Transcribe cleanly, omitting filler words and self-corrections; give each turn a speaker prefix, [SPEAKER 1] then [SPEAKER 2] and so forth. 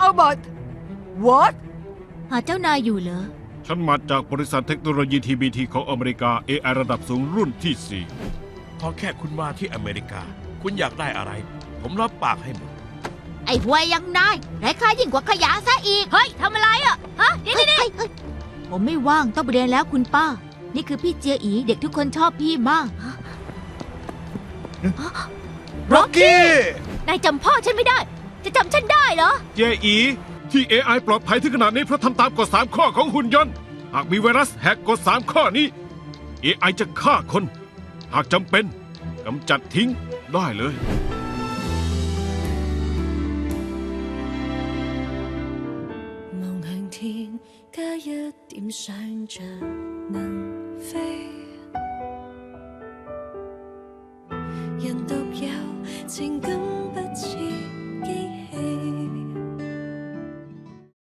[SPEAKER 1] Robot What
[SPEAKER 2] หาเจ้านายอยู่เหรอ
[SPEAKER 3] ฉันมาจากบริษัทเทคโนโลยี TBT ของอเมริกา AI ระดับสูงรุ่นที่
[SPEAKER 4] ขอแค่คุณมาที่อเมริกา คุณอยากได้อะไร ผมรับปากให้หมด
[SPEAKER 2] ไอ้ห่วยยังนายไร้ค่ายิ่งกว่าขยะซะอีก เฮ้ยทำอะไรอ่ะ ฮะ นี่ผมไม่ว่างต้องไปเรียนแล้วคุณป้า นี่คือพี่เจียอีเด็กทุกคนชอบพี่มาก
[SPEAKER 4] ร็อกกี้
[SPEAKER 2] นายจำพ่อฉันไม่ได้ จะจำฉันได้เหรอ
[SPEAKER 3] 4 เจอีที่ AI ปลอดภัยถึงขนาดนี้เพราะทำตามกฎ 3 ข้อของหุ่นยนต์ หากมีไวรัสแหกกฎ 3 ข้อนี้ AI จะฆ่าคน หากจำเป็นกำจัดทิ้งได้เลย
[SPEAKER 5] 望向天，加一點想像能飛。人獨有情感